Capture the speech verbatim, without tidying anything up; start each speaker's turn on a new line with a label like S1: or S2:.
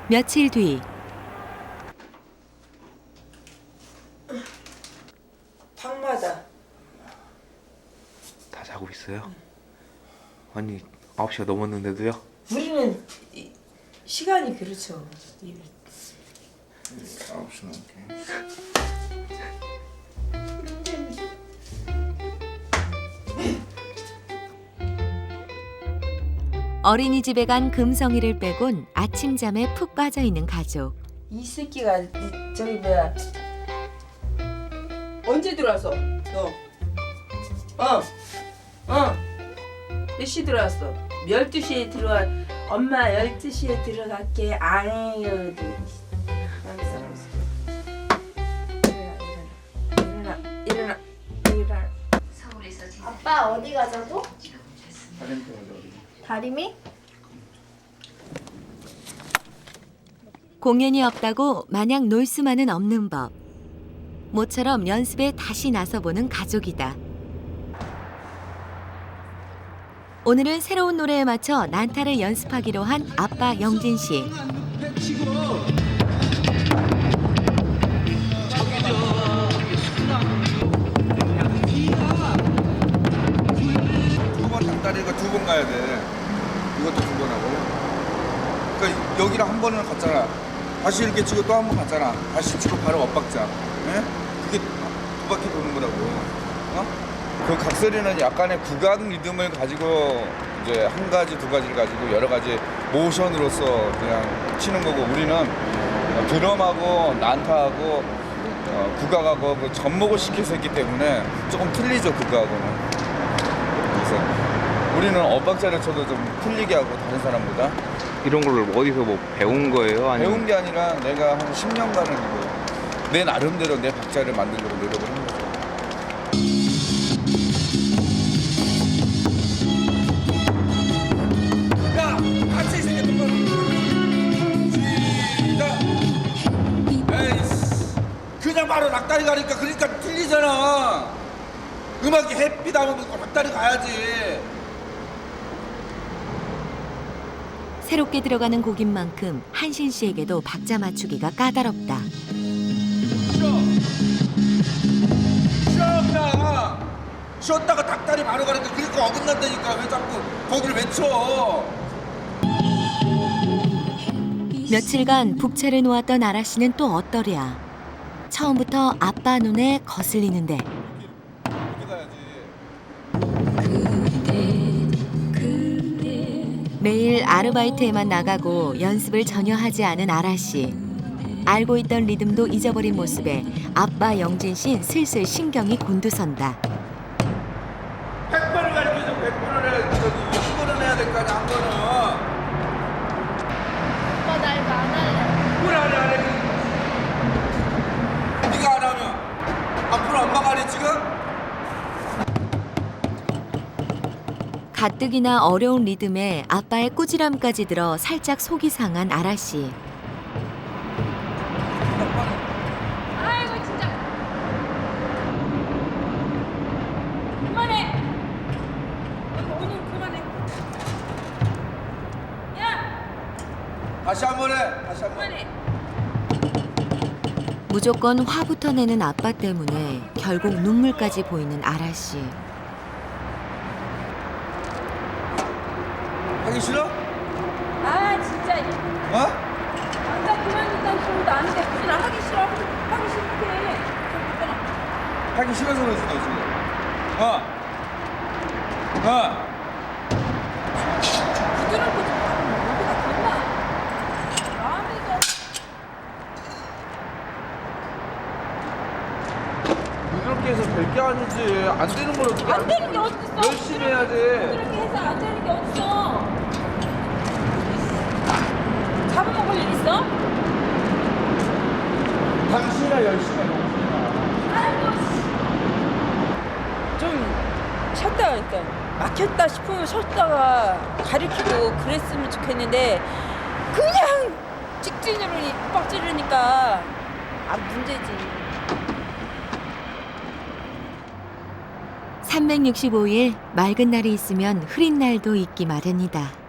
S1: 며칠 뒤
S2: 방마다
S3: 다 자고 있어요? 아니 아홉 시가 넘었는데도요?
S2: 우리는 이- 시간이 그렇죠. 이-
S4: 아홉 시 넘게.
S1: 어린이집에 간 금성이를 빼곤 아침잠에 푹 빠져 있는 가족.
S2: 이 새끼가 이- 저기 뭐야 언제 들어왔어? 너? 어? 어? 몇 시 들어왔어? 열두 시에 들어와. 엄마 열두 시에 들어갈게. 아유 일어나 일어나 일어나 일어나.
S5: 아빠 어디 가자고?
S4: 다른 데 어디?
S5: 다리미?
S1: 공연이 없다고 마냥 놀 수만은 없는 법. 모처럼 연습에 다시 나서보는 가족이다. 오늘은 새로운 노래에 맞춰 난타를 연습하기로 한 아빠 영진 씨.
S4: 두 번 닭다리가 두 번 가야 돼. 이것도 두 번 하고요. 그러니까 여기랑 한 번은 갔잖아. 다시 이렇게 치고 또 한 번 갔잖아. 다시 치고 바로 엇박자. 예? 그게 두 바퀴 도는 거라고. 어? 그 각설이는 약간의 구간 리듬을 가지고 이제 한 가지 두 가지를 가지고 여러 가지 모션으로서 그냥 치는 거고, 우리는 드럼하고 난타하고 어, 국악하고 그 접목을 시켜서 했기 때문에 조금 틀리죠, 국악하고는. 그래서 우리는 엇박자를 쳐도 좀 틀리게 하고, 다른 사람보다.
S3: 이런 걸 어디서 뭐 배운 거예요? 아니면
S4: 배운 게 아니라 내가 한 십 년간은 이거 내 나름대로 내 박자를 만들려고 노력을 한 거죠. 야! 같이 생겼던 시작! 에이씨, 그냥 바로 낙다리 가니까 그러니까 틀리잖아. 음악이 햇빛 하면 낙다리 가야지.
S1: 새롭게 들어가는 곡인 만큼 한신 씨에게도 박자 맞추기가 까다롭다.
S4: 쉬었다. 쉬었다가 닭다리 바로 가니까 그러니까 어긋난다니까. 왜 자꾸 거기를 외쳐.
S1: 며칠간 북채를 놓았던 아라 씨는 또 어떠랴. 처음부터 아빠 눈에 거슬리는데
S4: 이렇게 가야지.
S1: 매일 아르바이트에만 나가고 연습을 전혀 하지 않은 아라 씨. 알고 있던 리듬도 잊어버린 모습에 아빠 영진 씨는 슬슬 신경이 곤두선다.
S4: 백 번을 가르쳐줘. 백 번을 해야 돼. 이십 번을 해야 될 거 아니야, 한 번은.
S5: 아빠 나 이거 안 할래.
S4: 뭘 안 해, 안 해. 네가 안 하면 앞으로 엄마가 안 해, 지금?
S1: 가뜩이나 어려운 리듬에 아빠의 꾸지람까지 들어 살짝 속이 상한 아라 씨.
S5: 아이고 진짜. 그만해. 아이고, 오늘 그만해. 야
S4: 다시 한 번 해. 다시 한 번.
S5: 그만해.
S1: 무조건 화부터 내는 아빠 때문에 결국 눈물까지 보이는 아라 씨.
S4: 하기 싫어?
S5: 아 진짜.
S4: 어?
S5: 아까 그만둔다는 소리도 아닌데 무슨 하기 싫어 하기 싫대.
S4: 하기 싫어서 그러지, 너 지금. 어? 어?
S5: 부드럽고 좀 어디가 됐나? 마음에서.
S4: 부드럽게 해서 될 게 아니지. 안 되는 걸 어떻게
S5: 안 되는 게 어딨어?
S4: 열심히 해야지.
S5: 그렇게 해서 안 되는 게 어딨어? 잡아먹을 일 있어?
S4: 당신이나 열심히 해.
S5: 아이고
S2: 좀 쉬었다 그러니까 막혔다 싶으면 쉬었다가 가리키고 그랬으면 좋겠는데 그냥 직진으로 빡 찌르니까 아 문제지.
S1: 삼백육십오 일 맑은 날이 있으면 흐린 날도 있기 마련이다.